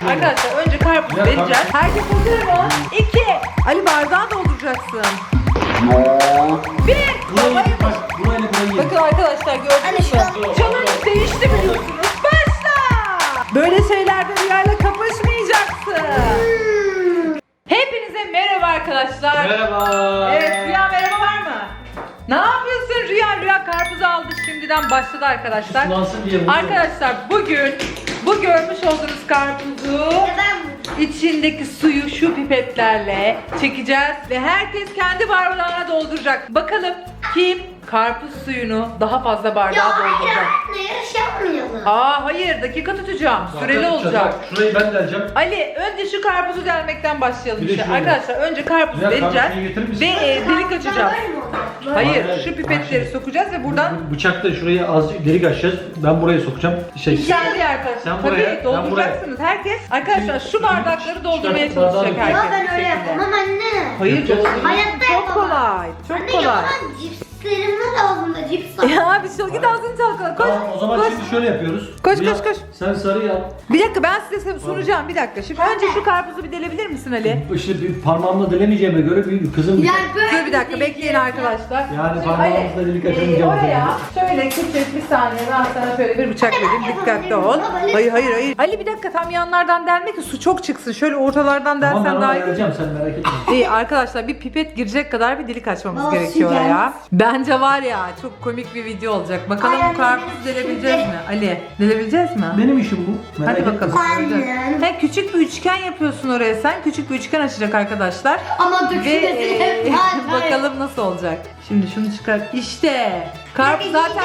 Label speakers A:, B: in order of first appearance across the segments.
A: Arkadaşlar önce karpuzu vereceğiz. Herkes hazır mı? 2. Ali bardağı dolduracaksın. 1. Bakın arkadaşlar gördünüz mü? Challenge değişti biliyorsunuz. Başla. Böyle şeylerde Rüya'yla kapışmayacaksın. Hepinize merhaba arkadaşlar.
B: Merhaba.
A: Evet Rüya merhaba var mı? Ne yapıyorsun Rüya? Rüya karpuzu aldı şimdiden başladı arkadaşlar. Arkadaşlar bugün bu görmüş olduğunuz karpuzu içindeki suyu şu pipetlerle çekeceğiz ve herkes kendi bardağına dolduracak. Bakalım kim karpuz suyunu daha fazla bardağa dolduracak?
C: Yarış yapmayalım.
A: Hayır dakika tutacağım. Süreli olacak.
B: Şurayı ben deleceğim.
A: Ali önce şu karpuzu delmekten başlayalım
B: Bir de
A: işte.
B: şöyle.
A: Arkadaşlar önce karpuzu
B: Ya,
A: vereceğiz
B: karpuzu getirir misin?
A: ve delik açacağız. Hayır
B: Hayır.
A: şu pipetleri sokacağız ve buradan
B: Bıçakla şurayı az delik açacağız. Ben buraya sokacağım.
A: İçeride arkadaşlar.
B: Sen
A: Tabii
B: buraya, ben
A: dolduracaksınız. Herkes arkadaşlar şu bardakları doldurmaya
B: çıkartıp bardağı
A: çalışacak
B: dökeceğiz.
A: herkes.
C: Ya ben öyle
A: bu şekilde.
C: yapamam anne.
A: Hayır
B: Yapacağız.
A: doldurun.
C: Hayatta
A: Çok
C: yapamam.
A: kolay. Çok
C: Anne
A: kolay.
C: yapamam. Cipslerim var ağzımda cips var.
A: Ya bir şey git ağzını çalkala. Koş.
B: Tamam o zaman
A: koş.
B: şimdi şöyle yapıyoruz.
A: Koş,
B: Rüya,
A: koş, koş.
B: Sen sarıyı al.
A: Bir dakika ben size sunacağım bir dakika. Şimdi önce şu karpuzu bir delebilir misin Ali?
B: İşte bir parmağımla delemeyeceğime göre bir kızım.
C: Yani böyle
A: Dur bir dakika bekleyin arkadaşlar.
B: Yani
A: Şimdi
B: parmağımızla
A: Ali,
B: delik açamayacağım.
A: Oraya şöyle küçük bir saniye ben sana şöyle bir bıçak vereyim. Dikkatli ol. Hayır. Ali bir dakika tam yanlardan delme ki su çok çıksın. Şöyle ortalardan
B: Tamam ben
A: delsen
B: onu
A: daha iyi.
B: ayarlayacağım sen merak etme.
A: İyi arkadaşlar bir pipet girecek kadar bir delik açmamız
C: Baba,
A: gerekiyor
C: su
A: oraya. Bence var ya çok komik bir video olacak. Bakalım
C: Ay,
A: bu karpuzu
C: anne,
A: delebileceğiz mi? Ali delebileceğiz mi?
B: Benim işim bu. Merak
A: Hadi
B: etme.
A: bakalım.
C: Anne.
A: He, küçük bir üçgen yapıyorsun oraya sen. Küçük bir üçgen açacak arkadaşlar.
C: Ama
A: Ve
C: dökülmesin.
A: bakalım nasıl olacak. Şimdi şunu çıkar. İşte. Karpuz zaten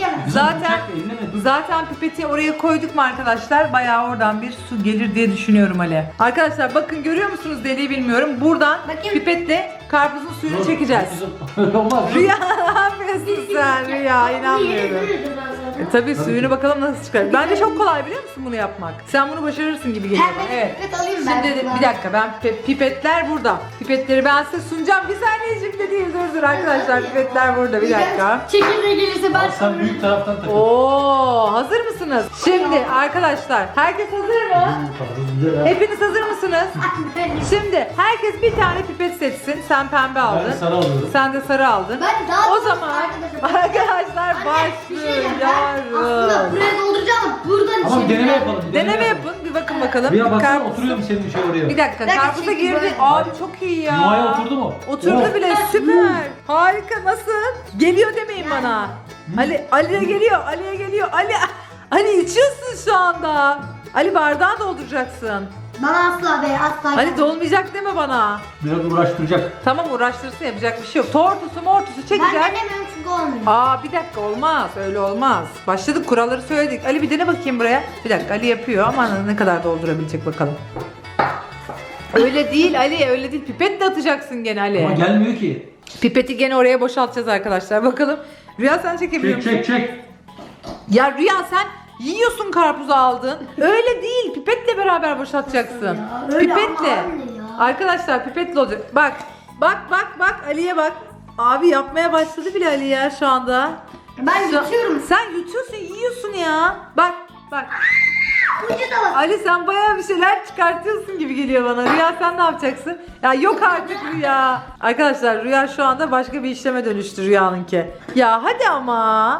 A: zaten pipeti oraya koyduk mu arkadaşlar? Bayağı oradan bir su gelir diye düşünüyorum Ali. Arkadaşlar bakın görüyor musunuz deliği bilmiyorum. Buradan
C: Bakayım.
A: pipetle karpuzun suyunu çekeceğiz.
B: Olmaz.
A: Rüya ne yapıyorsun sen Rüya inanmıyorum. Tabii suyunu bakalım nasıl çıkar. Bence çok kolay biliyor musun bunu yapmak? Sen bunu başarırsın gibi geliyor bana. Evet.
C: Pipet alayım ben.
A: Şimdi bir dakika ben pipetler burada. Pipetleri ben size sunacağım. Bir saniyecik de değil dur arkadaşlar pipetler burada bir dakika.
C: Çekirdeği gelirse ben
B: Al sen büyük taraftan takıl.
A: Oo hazır mısınız? Şimdi arkadaşlar herkes hazır mı? Hepiniz hazır mısınız? Şimdi herkes bir tane pipet seçsin. Sen pembe aldın.
B: Ben sarı alıyorum.
A: Sen de sarı aldın.
C: Ben daha
A: O
C: doğrusu
A: zaman arkadaşlar
C: bir şey diyeceğim. Aslında
A: başlıyoruz.
C: buraya dolduracağım. Buradan
B: Ama
C: içeri.
B: deneme yapalım.
A: Deneme yapın bir bakın bakalım.
B: Rüya baksana
A: Karpuz-
B: oturuyor mu senin şey oraya?
A: Bir dakika
C: dakika,
A: karpuza
C: çekil
A: girdi.
C: böyle.
A: Abi çok iyi ya.
B: Yuvaya oturdu mu?
A: Oturdu
B: Oh.
A: bile süper. Harika nasıl? Geliyor demeyin bana. Ali'ye geliyor. Ali'ye geliyor. Ali içiyorsun şu anda. Ali bardağı dolduracaksın.
C: Bana asla be asla.
A: Ali dolmayacak deme bana.
B: Biraz uğraştıracak.
A: Tamam uğraştırsın yapacak bir şey yok. Tortusu mortusu
C: Ben
A: çekecek.
C: denemiyorum çünkü olmuyor.
A: Bir dakika olmaz öyle olmaz. Başladık kuralları söyledik. Ali bir dene bakayım buraya. Bir dakika Ali yapıyor ama ne kadar doldurabilecek bakalım. Öyle değil Ali öyle değil. Pipetle atacaksın gene Ali.
B: Ama gelmiyor ki.
A: Pipeti gene oraya boşaltacağız arkadaşlar. Bakalım. Rüya sen çekebiliyor musun?
B: Çek.
A: Ya Rüya sen yiyorsun karpuzu aldın. Öyle değil. Pipetle beraber boşaltacaksın.
C: Ya, öyle
A: Pipetle.
C: ama anne ya.
A: Arkadaşlar pipetle olacak. Bak. Ali'ye bak. Abi yapmaya başladı bile Ali ya şu anda.
C: Ben
A: Şu-
C: yutuyorum.
A: Sen yutuyorsun, yiyorsun ya. Bak.
C: Ucu da var.
A: Ali sen bayağı bir şeyler çıkartıyorsun gibi geliyor bana. Rüya sen ne yapacaksın? Ya yok artık Rüya. Arkadaşlar Rüya şu anda başka bir işleme dönüştü Rüya'nınki. Ya hadi ama.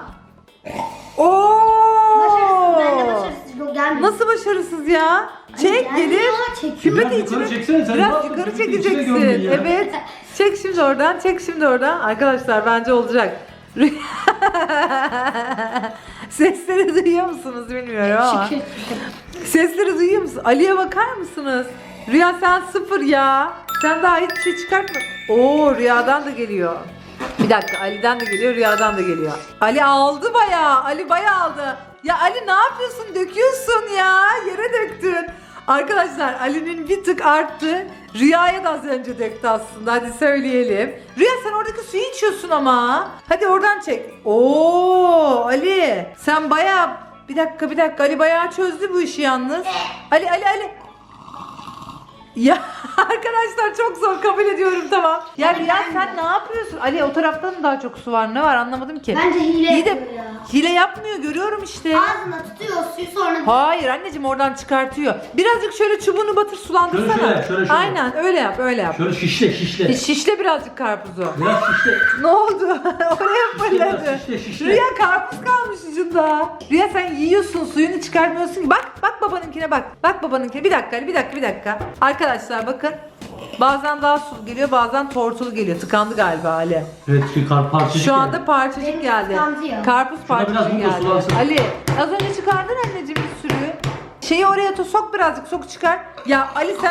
C: Başarısız. Ben de
A: Oo!
C: başarısız. Yok gelmiyor.
A: Nasıl başarısız ya? Çek
C: gelmiyor,
A: gelir.
C: çekiyor.
A: Pipeti
B: Biraz yukarı
A: içine.
B: çeksene sen. Ne
A: Biraz
B: yaptın?
A: yukarı
B: Pipeti içine
A: çekeceksin.
B: gömdün ya.
A: Evet. Çek şimdi oradan. Arkadaşlar bence olacak. Sesleri duyuyor musunuz bilmiyorum ama. Sesleri duyuyor musun? Ali'ye bakar mısınız? Rüya sen sıfır ya. Sen daha hiçbir şey çıkartma. Oo Rüya'dan da geliyor. Bir dakika Ali'den de geliyor, Rüya'dan da geliyor. Ali aldı bayağı. Ali bayağı aldı. Ya Ali ne yapıyorsun? Döküyorsun ya. Yere döktün. Arkadaşlar Ali'nin bir tık arttı. Rüya'ya da az önce döktü aslında. Hadi söyleyelim. Rüya sen oradaki suyu içiyorsun ama. Hadi oradan çek. Oo Ali. Sen bayağı bir dakika Ali bayağı çözdü bu işi yalnız. Ali. Ya arkadaşlar çok zor, kabul ediyorum, tamam. Ya
C: Hadi
A: Rüya
C: ben
A: sen
C: de.
A: ne yapıyorsun? Ali o tarafta mı daha çok su var? Ne var anlamadım ki.
C: Bence hile
A: İyi de
C: yapıyor ya.
A: hile yapmıyor, görüyorum işte.
C: Ağzına tutuyor suyu sonra.
A: Hayır anneciğim, oradan çıkartıyor. Birazcık şöyle çubuğunu batır, sulandırsana.
B: Şöyle.
A: Aynen öyle yap, öyle yap.
B: Şöyle şişle.
A: Şişle birazcık karpuzu.
B: Biraz şişle.
A: Ne oldu? Oraya fırladı.
B: Şişle.
A: Rüya karpuz kalmış ucunda. Rüya sen yiyorsun, suyunu çıkartmıyorsun ki. Bak babanınkine bak. Bak babanınkine. Bir dakika Ali, bir dakika. Arkadaşlar bakın. Bazen daha sulu geliyor, bazen tortulu geliyor. Tıkandı galiba Ali.
B: Evet parçacık.
A: Şu anda parçacık
C: Benim
A: geldi.
C: tıkandı ya.
A: Karpuz
B: Şuna biraz
A: parçacık
B: muz da
A: geldi.
B: sulansın.
A: Ali az önce çıkardın anneciğim bir sürü. Şeyi oraya sok birazcık, sok çıkar. Ya Ali sen...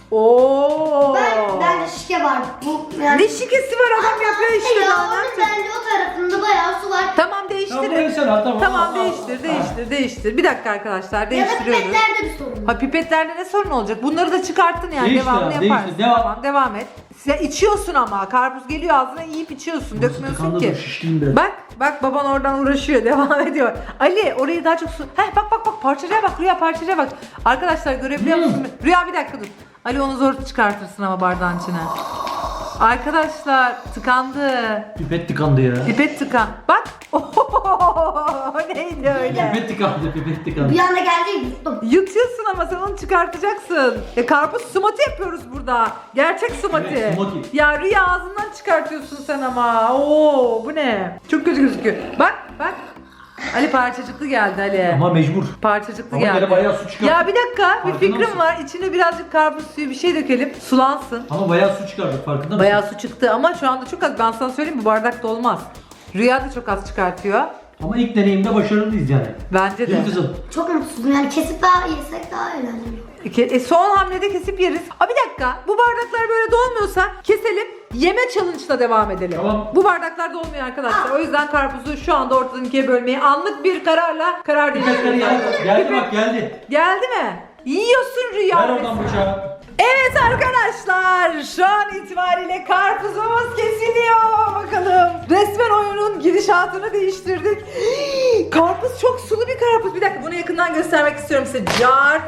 A: Oo.
C: Bende şike var. Bu yani.
A: Ne şikesi var, adam yapıyor işte.
C: Ya
A: daha ne
C: onun
A: yapacak?
C: bence o tarafında bayağı su var.
A: Tamam değiştirin.
B: Tamam, neyse lan, tamam.
A: Tamam
B: Aa,
A: değiştir. Bir dakika arkadaşlar,
C: Ya da
A: değiştiriyoruz.
C: pipetlerde bir sorun var.
A: Ha pipetlerde ne sorun olacak? Bunları da çıkarttın yani,
B: Değiştir
A: devamını
B: abi,
A: yaparsın.
B: değiştir, devam.
A: Tamam, devam et. Sen içiyorsun ama karpuz geliyor ağzına, yiyip içiyorsun. Dökmüyorsun
B: tıkandı
A: ki.
B: dur, şişleyeyim biraz.
A: Bak baban oradan uğraşıyor, devam ediyor. Ali orayı daha çok su. Heh bak parçacığa bak Rüya, parçacığa bak. Arkadaşlar görebiliyor musunuz? Rüya bir dakika dur. Ali onu zor çıkartırsın ama bardağın içine. Arkadaşlar tıkandı.
B: Pipet tıkandı ya.
A: Pipet tıkan. Bak. Ohohoho, neydi öyle?
B: Pipet tıkandı.
C: Bir anda geldi yuttum.
A: Yutuyorsun ama sen onu çıkartacaksın. Karpuz smoothie yapıyoruz burada. Gerçek smoothie.
B: Evet, smoothie.
A: Ya Rüya ağzından çıkartıyorsun sen ama. Oo bu ne? Çok kötü gözüküyor. Bak. Ali parçacıklı geldi Ali.
B: Ama mecbur.
A: Parçacıklı
B: Ama
A: geldi.
B: yine bayağı su çıkarttı.
A: Ya bir dakika, bir
B: Farkında
A: fikrim
B: mısın?
A: var. İçine birazcık karpuz suyu bir şey dökelim. Sulansın.
B: Ama bayağı su çıkardık, farkında mısın?
A: Bayağı su çıktı ama şu anda çok az. Ben sana söyleyeyim, bu bardakta olmaz. Rüya da çok az çıkartıyor.
B: Ama ilk deneyimde başarılıyız yani.
A: Bence
B: Değil
A: de.
B: mi kızım?
C: Çok mutsuzum yani kesip daha yesek daha eğlenceli.
A: Son hamlede kesip yeriz. Bir dakika. Bu bardaklar böyle dolmuyorsa keselim. Yeme challenge'la devam edelim.
B: Tamam.
A: Bu bardaklar dolmuyor arkadaşlar. O yüzden karpuzu şu anda ortadan ikiye bölmeyi anlık bir kararla karar
B: Pipetleri
A: değiştirdik.
B: geldi bak geldi.
A: Geldi mi? Yiyorsun Rüya.
B: Ver oradan bıçağı.
A: Evet arkadaşlar, şu an itibariyle karpuzumuz kesiliyor. Bakalım. Resmen oyunun gidişatını değiştirdik. Karpuz çok sulu bir karpuz. Bir dakika, bunu yakından göstermek istiyorum size. Car.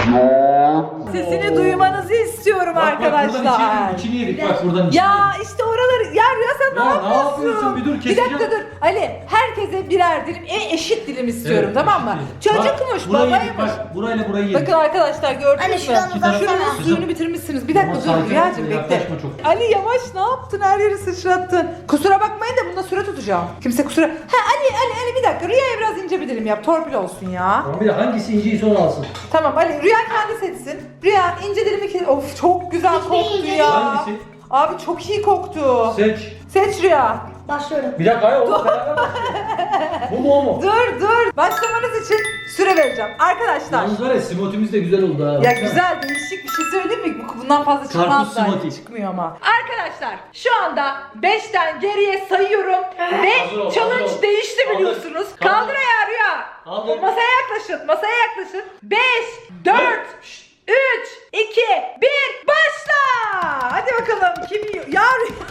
A: Sesini duymanızı istiyorum
B: Bak,
A: arkadaşlar.
B: buradan içini yedik bak buradan içini
A: Ya
B: yedik.
A: işte oraları, ya Rüya sen
B: Ya
A: ne
B: ne
A: yapıyorsun?
B: yapıyorsun? Bir dur,
A: Bir dakika
B: keseceğim.
A: dur. Ali, herkese birer dilim, eşit dilim istiyorum,
B: Evet,
A: tamam mı?
B: eşit yedik.
A: Çocukmuş,
B: Bak, burayı yedik,
A: babaymış.
B: bak, burayla burayı yedik.
A: Bakın arkadaşlar, gördünüz
C: Anne,
A: mü?
C: şuradan uzatsana.
A: Şuranın suyunu bitirmişsiniz. Bir dakika
B: Ama
A: dur
B: sakin ol,
A: Rüyacığım, bekle.
B: yaklaşma çok.
A: Ali yavaş, ne yaptın? Her yeri sıçrattın. Kusura bakmayın da bunda süre tutacağım. Kimse kusura... Ali bir dakika. Rüya'ya biraz ince bir dilim yap. Torpil olsun ya.
B: Tamam, bir de hangisi inciyse onu alsın.
A: Tamam Ali, Rüya kendi seçsin. Rüya ince dilimi ki... Of çok güzel
C: Hiçbir
A: koktu
C: ince
A: ya.
B: Hangisi?
A: Abi çok iyi koktu.
B: Seç.
A: Seç Rüya.
C: Başlıyorum.
B: Bir dakika hayır oğlum beraber başlayalım. Bu mu o mu?
A: Dur. Başlamanız için süre vereceğim. Arkadaşlar.
B: Yalnız var ya smoothie'miz de güzel oldu ha.
A: Ya güzel, değişik bir şey söyleyeyim mi? Bundan fazla çıkmaz
B: Karpuz
A: zaten.
B: smoothie.
A: Çıkmıyor ama. Arkadaşlar şu anda 5'ten geriye sayıyorum ve
B: Hazır ol,
A: challenge
B: hazır ol.
A: değişti
B: Kaldır.
A: biliyorsunuz.
B: Kaldır.
A: Kaldır ayağı Rüya.
B: Kaldır.
A: Masaya yaklaşın. 5, 4, 3, 2, 1, başla. Hadi bakalım kim yiyor? Ya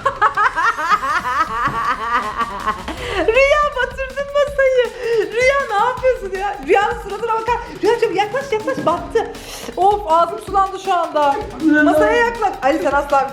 A: Rüya batırdın masayı. Rüya ne yapıyorsun ya? Rüyanın suratına bakar. Rüyacığım yaklaş battı. Of ağzım sulandı şu anda. Masaya yaklaş. Ali sen asla...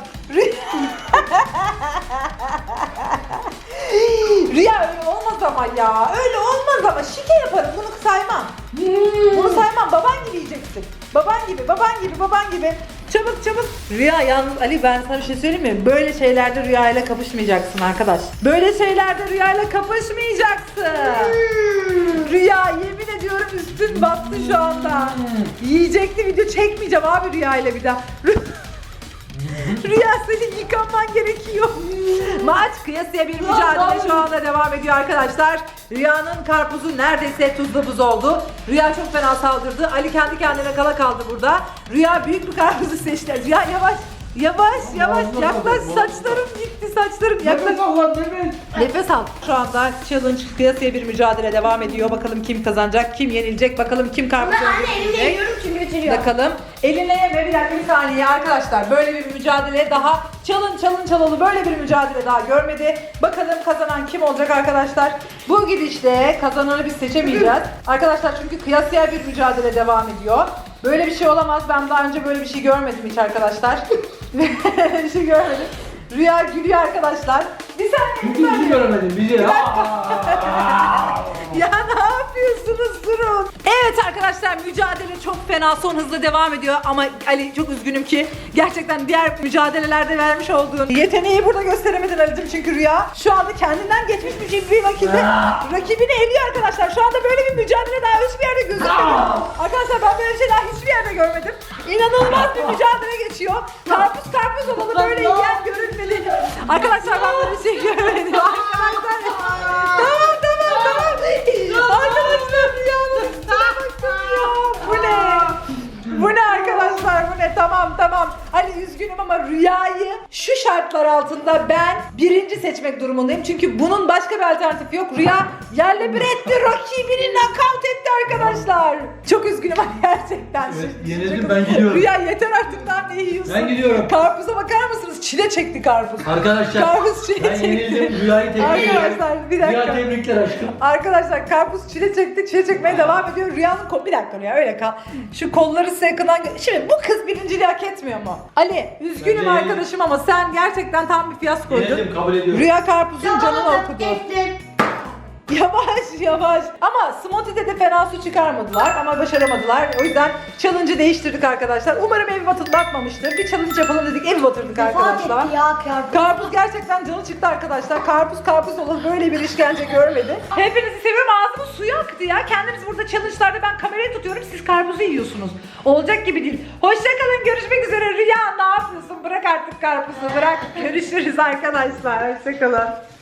A: Rüya öyle olmaz ama ya. Öyle olmaz ama. Şike yaparım, bunu saymam. Bunu saymam. Baban gibi yiyeceksin. Baban gibi. Çabuk. Rüya yalnız Ali, ben sana bir şey söyleyeyim mi? Böyle şeylerde Rüya ile kapışmayacaksın arkadaş. Böyle şeylerde Rüya ile kapışmayacaksın. Rüya yemin ediyorum üstün battı şu anda. Yiyecekti, video çekmeyeceğim abi Rüya ile bir daha. Rüya senin yıkanman gerekiyor. Maç kıyasıya bir mücadele şu anda devam ediyor arkadaşlar. Rüya'nın karpuzu neredeyse tuzlu buz oldu. Rüya çok fena saldırdı. Ali kendi kendine kala kaldı burada. Rüya büyük bir karpuzu seçti. Rüya yavaş yaklaş, saçlarım gitti, yaklaş. Nefes al. Şu anda challenge kıyasıya bir mücadele devam ediyor. Bakalım kim kazanacak, kim yenilecek, bakalım kim karpuzu
C: Ben anne elimle
A: yiyecek.
C: yiyorum çünkü bitiriyor.
A: Bakalım. Eline yeme, bir dakika, bir saniye arkadaşlar. Böyle bir mücadele daha challenge böyle bir mücadele daha görmedi. Bakalım kazanan kim olacak arkadaşlar. Bu gidişle kazananı biz seçemeyeceğiz. Arkadaşlar çünkü kıyasıya bir mücadele devam ediyor. Böyle bir şey olamaz. Ben daha önce böyle bir şey görmedim hiç arkadaşlar. Böyle bir şey görmedim. Rüya gülüyor arkadaşlar. Bir saniye.
B: Çünkü bizi göremedim. Bizi.
A: Ya ne yapıyorsunuz, durun. Evet arkadaşlar, mücadele çok fena, son hızla devam ediyor ama Ali çok üzgünüm ki gerçekten diğer mücadelelerde vermiş olduğun yeteneği burada gösteremedin Ali'cim, çünkü Rüya şu anda kendinden geçmiş bir vakitte rakibini eliyor arkadaşlar. Şu anda böyle bir mücadele daha hiçbir yerde gözükmedi. Arkadaşlar ben böyle bir şey daha hiçbir yerde görmedim. İnanılmaz bir mücadele geçiyor. Karpuz olalı böyle yiyen görünmedi. Arkadaşlar ben böyle bir şey görmedim. Arkadaşlar tamam. Arkadaşlar Rüya'nın üstüne bakın ya. Bu ne? Bu ne arkadaşlar, bu ne? Tamam. Ali üzgünüm ama Rüya'yı şu şartlar altında ben birinci seçmek durumundayım. Çünkü bunun başka bir alternatifi yok. Rüya yerle bir etti, rakibini knockout etti arkadaşlar. Çok üzgünüm ama gerçekten.
B: Evet, yenildim, ben gidiyorum.
A: Rüya yeter artık, daha ne yiyorsun?
B: Ben gidiyorum.
A: Karpuza bakar mısınız? Çile çekti karpuz.
B: Arkadaşlar
A: Karpuz çile
B: ben
A: çekti.
B: yenildim. Rüyayı tebrik ediyorum.
A: Arkadaşlar bir dakika.
B: Rüya tebrikler aşkım.
A: Arkadaşlar karpuz çile çekti, çile çekmeye devam ediyor. Rüyanın bir dakika Rüya, öyle kal. Şu kolları size yakından şimdi bu kız birinciliği hak etmiyor mu? Ali üzgünüm
B: Bence
A: arkadaşım ama sen gerçekten tam bir fiyaskoydun.
B: Yenildim, kabul ediyorum.
A: Rüya karpuzun canını
C: Tamam,
A: okudu.
C: ettim.
A: Yavaş. Ama Smoothie'de de fena su çıkarmadılar ama başaramadılar. O yüzden challenge'ı değiştirdik arkadaşlar. Umarım evi batırtmamıştır. Bir challenge yapalım dedik, evi batırdık arkadaşlar.
C: Vefat etti ya karpuz.
A: Karpuz gerçekten canı çıktı arkadaşlar. Karpuz olur, böyle bir işkence görmedi. Hepinizi seviyorum. Ağzımın suyu aktı ya. Kendimiz burada challenge'larda ben kamerayı tutuyorum. Siz karpuzu yiyorsunuz. Olacak gibi değil. Hoşçakalın. Görüşmek üzere. Rüya ne yapıyorsun? Bırak artık karpuzu. Bırak. Görüşürüz arkadaşlar. Hoşçakalın.